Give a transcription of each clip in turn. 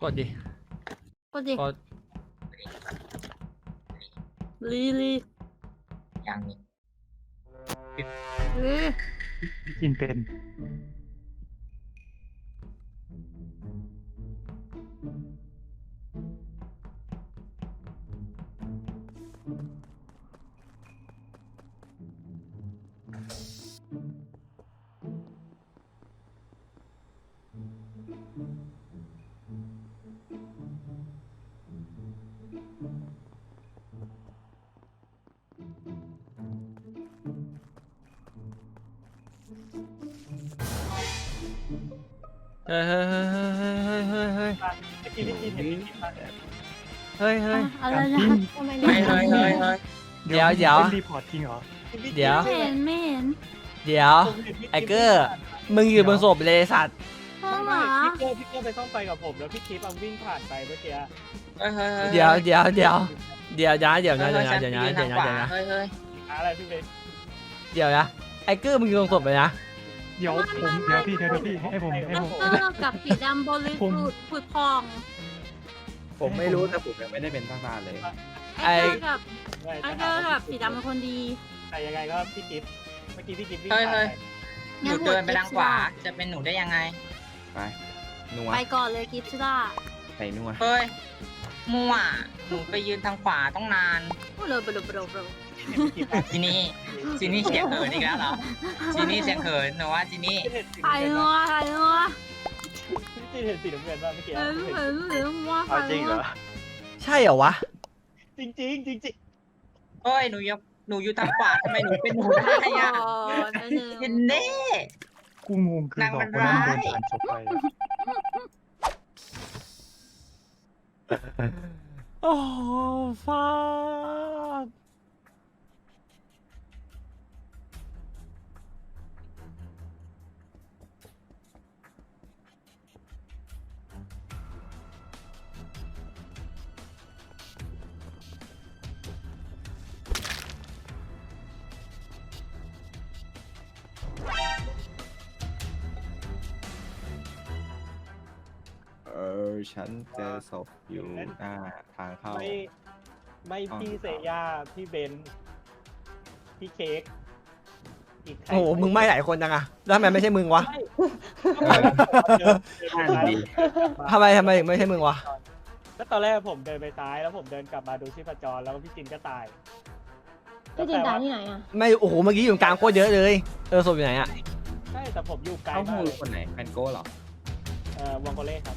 ดดิกดดิกดลีอย่างนี้กินเป็นเฮ้ยเฮ้ยเฮ้ยเฮ้ยเฮ้ยเฮ้ยพี่เห็นพี่คิดมาเฮ้ยเฮ้ยอะไรนะทำไมเฮ้ยเฮ้ยเฮ้ยเฮ้ยเดี๋ยวเดี๋ยวเป็นรีพอร์ตจริงเหรอเดี๋ยวไม่เห็นไม่เห็นเดี๋ยวไอ้เกอร์มึงอยู่บนศพเลยสัตว์ห้องเหรไม่อพี่เกอร์ไปซ่อมไฟกับผมแล้วพี่คิดวิ่งผ่านไปเมื่อกี้เฮ้ยเฮ้ยเดี๋ยวเดี๋ยวเดี๋ยวเดี๋ยวนะเดี๋ยวนะเดี๋ยวนะเดี๋ยวนะเดี๋เดี๋ยวนะเดี๋ยวนะเฮ้ยเฮ้ยอะไรพี่เบนเดี๋ยวนะไอ้เกอร์มึงอยู่บนศพเลยนะเดี๋ยวพี่ให้ผมแล้วก็กับสีดำบริสุทธิ์ผุดพองผมไม่รู้แต่ผมยังไม่ได้เป็นทหารเลยไอ้เกอร์กับไอ้เกอร์กับสีดำเป็นคนดีแต่ยังไงก็พี่คิดเมื่อกี้พี่คิดวิ่งเฮ้ยผ่านเฮ้ยไปหนูเดินไปทางขวาจะเป็นหนูได้ยังไงไปนัวไปก่อนเลยกิฟต์ชิล่าใส่นัวเฮ้ยมั่วหนูไปยืนทางขวาต้องนานโอ้โหโบรจีนี่จีนี่เสียงเขินอีกแล้วเหรอจีนี่เสียงเขินหนูว่าจีนี่เห็นสีถ่ายนัวพี่เห็นสีน้ำเงินป่ะเมื่อกี้เห็นนัวเอาจริงเหรอใช่เหรอวะจริงจริงจริงจริงเฮ้ยหนูอยู่ทางขวาทำไมหนูเป็นหนูได้อะเห็นเน่กูงงคือบอกคนนั้นเดินผ่านศพไปโอ้ฟ้าฉันเจอศพอยู่หน้าทางเข้าไม่พี่เซย่าพี่เบนพี่เค้กอีกใครโอ้โหมึงไม่หลายคนจังอะแล้วทำไมไม่ใช่มึงวะ ทำไมถึงไม่ใช่มึงวะแล้วตอนแรกผมเดินไปซ้ายแล้วผมเดินกลับมาดูชีพจรแล้วพี่จินก็ตายพี่จินตายที่ไหนอ่ะไม่โอ้โหเมื่อกี้อยู่กลางโคตรเยอะเลยศพอยู่ไหนอะใช่แต่ผมอยู่ไกลเข้าหูมากเลยคนไหนแฟนโก้เหรอวังโกเล่ครับ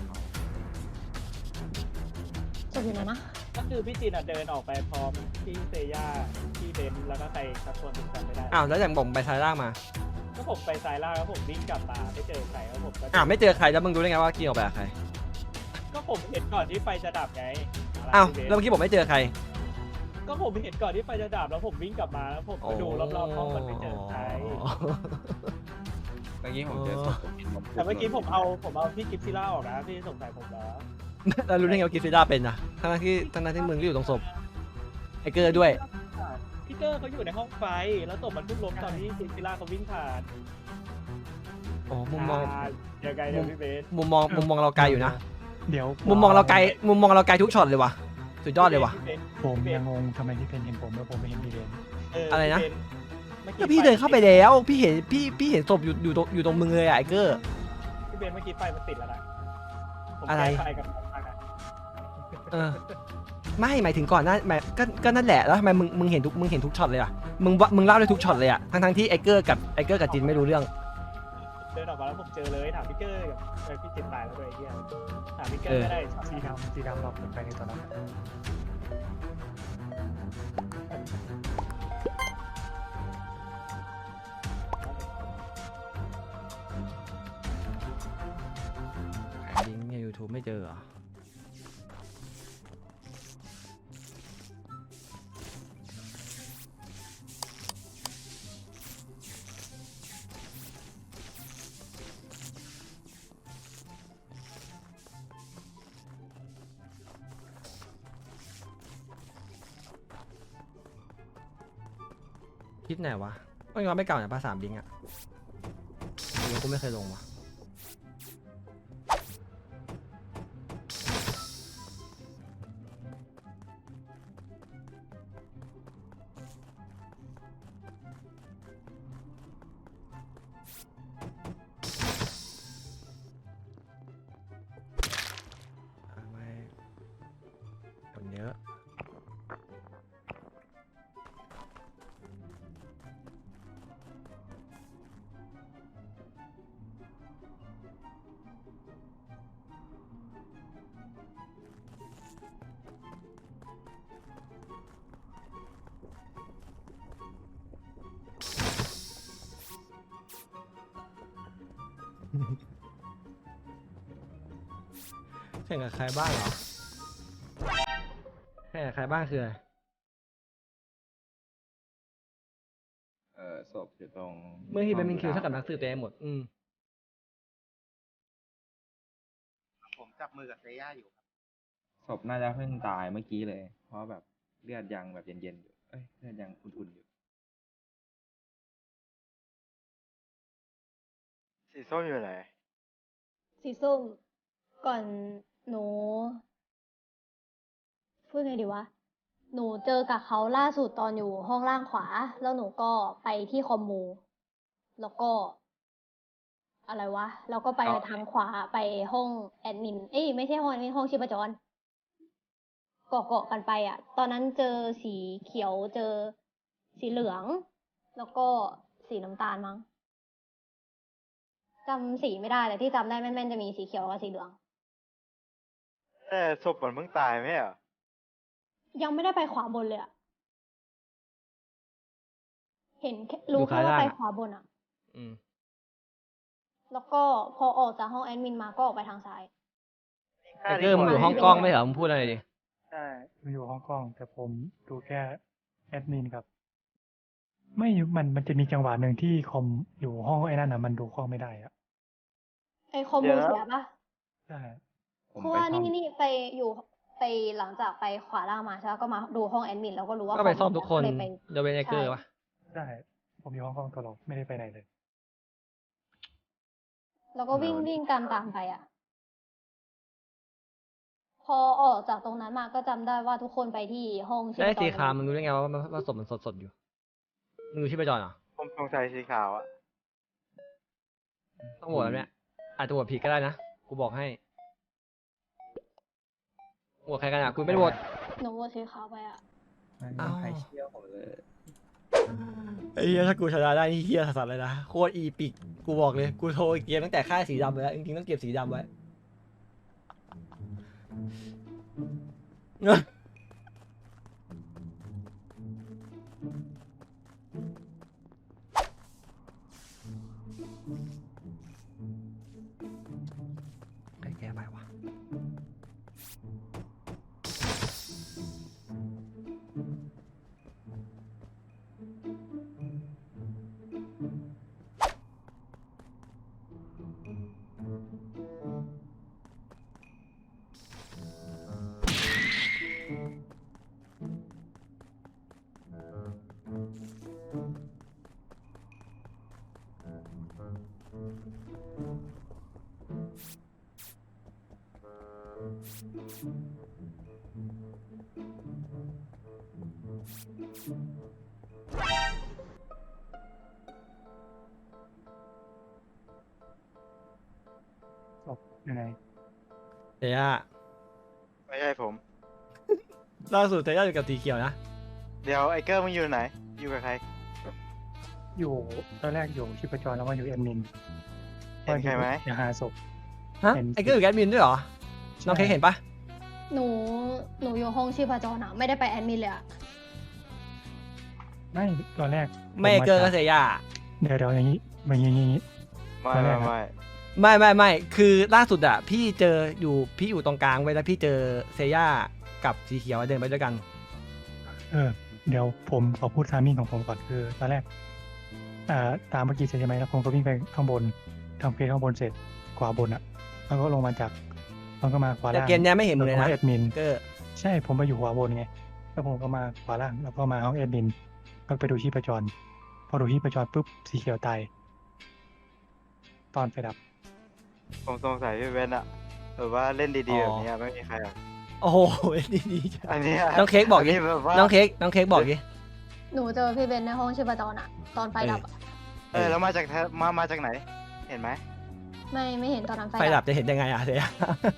จบอยู่ไหนนะก็คือพี่จินเดินออกไปพร้อมพี่เซย่าพี่เบนแล้วก็ใครสักคนถึงจำไม่ได้อ้าวแล้วอย่างผมไปซ้ายล่างมาก็ผมไปซ้ายล่างแล้วผมวิ่งกลับมาไม่เจอใครแล้วผมก็อ้าวไม่เจอใครแล้วมึงรู้ได้ไงว่ากี้ออกไปกับใครก็ผมเห็นก่อนที่ไฟจะดับไงอ้าวพี่เบนแล้วเมื่อกี้ผมไม่เจอใครก็ผมเห็นก่อนที่ไฟจะดับแล้วผมวิ่งกลับมาแล้วผมก็ดูรอบๆห้องมันไม่เจอใครเมื่อกี้ผมเจอศพผมเห็นผมแต่เมื่อกี้ผมเอาพี่กิฟซิล่าออกนะพี่สงสัยผมเหรอแล้วรู้ได้ไงว่ากิฟฟิด้าเป็นนะทั้งที่มึงก็อยู่ตรงศพไอ้เกอร์ด้วยพี่เกอร์เขาอยู่ในห้องไฟแล้วศพมันเพิ่งล้มตอนที่กิฟซิล่าเขาวิ่งผ่านโอ้มุมมองยังไงเนี่ยพี่เบสมุมมองเราไกลอยู่นะเดี๋ยวมุมมองเราไกลทุกช็อตเลยว่ะสุดยอดเลยว่ะผมยังงงทำไมที่เป็นเห็นผมแล้วผมไม่เห็นพี่เบนอะไรนะ ก็พี่เดินเข้าไปแล้วพี่เห็นศพอยู่ตรงมึงเลยอะไอ้เกอร์พี่เบสเมื่อกี้ไฟมันติดแล้วนะผมอะไรแก้ไฟกับมันนะเออไม่หมายถึงก่อนหน้าก็นั่นแหละแล้วทำไมมึงเห็นทุกช็อตเลยอ่ะมึงเล่าได้ทุกช็อตเลยอ่ะทั้งที่ไอ้เกอร์กับจินไม่รู้เรื่องเดินออกมาแล้วผมเจอเลยถามพี่เกอร์กับพี่จิตตายแล้วเลยไอ้เหี้ยถามพี่เกอร์ก็ได้สีดำเราไปในตอนนั้นลิงก์ใน YouTube ไม่เจอเหรอคลิปไหนวะก็ยังไม่เก่าเนี่ยภาษาบิงอะกูไม่เคยลงวะแข่งกับใครบ้างเหรอแข่งกับใครบ้างคืออะไรศพอยู่ตรงเมื่อที่เป็นคิวเท่ากับนักสืบเต็มหมดผมจับมือกับเซย่าอยู่ครับศพน่าจะเพิ่งตายเมื่อกี้เลย เพราะแบบเลือดยังแบบเย็นๆอยู่เอ้ยเลือดยังอุ่นๆอยู่สีส้มอยู่ไหนสีส้มก่อนหนูพูดไงดีวะ หนูเจอกับเขาล่าสุดตอนอยู่ห้องล่างขวา แล้วหนูก็ไปที่คอมมู แล้วก็ อะไรวะ แล้วก็ไปทางขวาไปห้องแอดมิน เอ้ยไม่ใช่ห้องแอดมินห้องชีพจร เกาะกันไปอ่ะ ตอนนั้นเจอสีเขียวเจอสีเหลือง แล้วก็สีน้ำตาลมั้งจำสีไม่ได้แต่ที่จำได้แม่นๆจะมีสีเขียวกับสีเหลืองแต่ศพมันเพิ่งตายไหมอ่ะยังไม่ได้ไปขวาบนเลยอะเห็นแค่รู้แค่ว่าไปขวาบนอะแล้วก็พอออกจากห้องแอดมินมาก็ออกไปทางซ้ายไอ้เกอร์มึงอยู่ห้องกล้องไม่เหรอมึงพูดอะไรดิใช่ผมอยู่ห้องกล้อง แต่ผมดูแค่แอดมินครับ ไม่มันจะมีจังหวะหนึ่งที่คอมอยู่ห้องไอ้นั่นอ่ะมันดูกล้องไม่ได้อ่ะไอคอมมูเสียปะใช่ผมเพราะไปว่าซ่อมนี่ไปอยู่ไปหลังจากไปขวาล่างมาใช่ปะก็มาดูห้องแอดมินแล้วก็รู้ว่าก็ไปซ่อมทุกคนเลยไปเดี๋ยวเป็นไอ้เกอร์วะใช่ผมอยู่ห้องกล้องตลอดไม่ได้ไปไหนเลยแล้วก็วิ่งตามไปอะพอออกจากตรงนั้นมาก็จำได้ว่าทุกคนไปที่ห้องชีพจรได้สีขาวมึงรู้ได้ไงว่าศพมันสดๆอยู่มึงดูชีพจรเหรอผมสงสัยสีขาวอ่ะต้องโหวตแล้วเนี่ยอาจจะโหวตผิดก็ได้นะกูบอกให้โหวตใครกันอ่ะกูไม่ได้โหวตหนูโหวตสีขาวไปอะไม่มีใครเชื่อผมเลยไอ้เหี้ยถ้ากูชนะได้นี่เหี้ยสัสๆเลยนะโคตรอีปิกกูบอกเลยกูโทรเกมตั้งแต่ค่ายสีดำไปแล้วจริงๆต้องเก็บสีดำไว้แก้ไปวะศพยังไงเทียไม่ใช่ผมล่าสุดเทียอยู่กับสีเขียวนะเดี๋ยวไอเกอร์มึงอยู่ไหน อยู่กับใครอยู่ตอนแรกอยู่ชีพจรแล้วมาอยู่แอดมินเห็นใครไหมอย่าหาศพฮะเห็นไอ้เกอร์อยู่แอดมินด้วยเหรอน้องเค้กเห็นปะหนูอยู่ห้องชีพจรอะไม่ได้ไปแอดมินเลยอะไม่ตอนแรกไม่เกอร์ก็เสียย่าเดี๋ยวอย่างนี้อย่างนี้ไม่ไม่ไม่ไม่ไม่ไม่คือล่าสุดอะพี่อยู่ตรงกลางไว้แล้วพี่เจอเซย่ากับสีเขียวเดินไปด้วยกันเดี๋ยวผมขอพูดทามมิ่งของผมก่อนคือตอนแรกตามเมื่อกี้เสร็จใช่ไหมแล้วผมก็วิ่งไปข้างบนทำเพลข้างบนเสร็จขวาบนอ่ะแล้วก็ลงมาจากแล้วก็มาขวาแต่ล่างเกมเนี้ยไม่เห็นมึงเลยแวก็นะมาแอดมินเกอร์ใช่ผมไปอยู่ขวาบนไงแล้วผมก็มาขวาล่างแล้วก็มาห้องแอดมินก็ไปดูชีพจรพอดูชีพจรปุ๊บสีเขียวตายตอนไฟดับผมสงสัยพี่เบนอะแบบว่าเล่นดีๆแบบนี้ไม่มีใครหรอกโอ้โหดีๆจ้ะอันเนี้ยน้องเค้กบอกดินนี้แบบว่าน้องเค้กบอกดิหนูเจอพี่เบนในห้องชีพจรอะตอนไฟดับอะแล้วมาจากมาจากไหน เห็นไหมไม่เห็นตอนนั้นไฟดับจะเห็นยังไงอะเสีย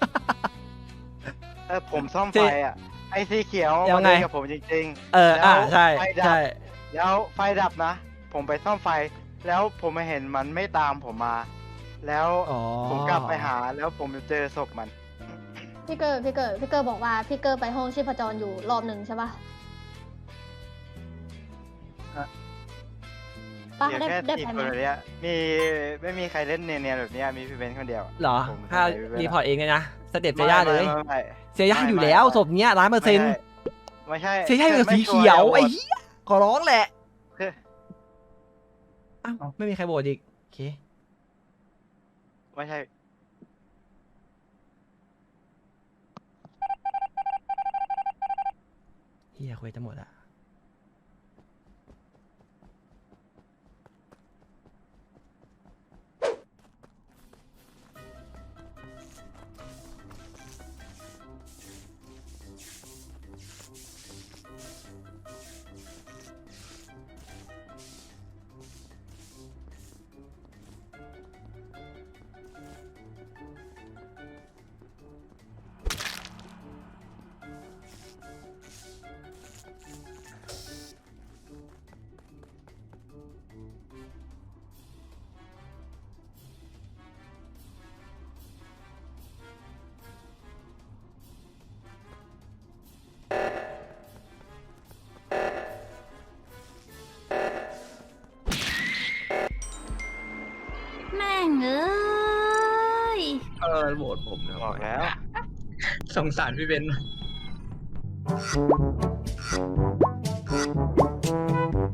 ผมซ่อมไฟอ่ะ ไอ้สีเขียวยัมางไงเล่นกับผมจริงๆใช่ไฟดับใช่แล้วไฟดับนะ ผมไปซ่อมไฟ แล้วผมมาเห็นมันไม่ตามผมมา แล้วอ๋อผมกลับไปหาแล้วผมเจอศพมันพี่เกอร์บอกว่าพี่เกอร์ไปห้องชีพจรอยู่รอบหนึ่งใช่ปะป้าเดี๋ยวได้แค่ได้ทีไปคไหมนแบบเนี้ยมีไม่มีใครเล่นเนียนๆแบบเนี้ยมีพี่เบนคนเดียวเหรอผมถ้าพี่บนรีอะพอร์ตเองเลยนะสเต็ปเซย่าเลยไม่เซย่าอยู่แล้วศพเนี้ย100% ไม่ใช่เซย่าอยู่กับสีเขียวไอ้เหี้ยขอร้องแหละคืออ้าวไม่มีใครโหวตอีกโอเคไม่ใช่เฮียคุยจะหมดอะแม่งเอ้ยโหวตผมนะบอกแล้วสงสารพี่เบนซ์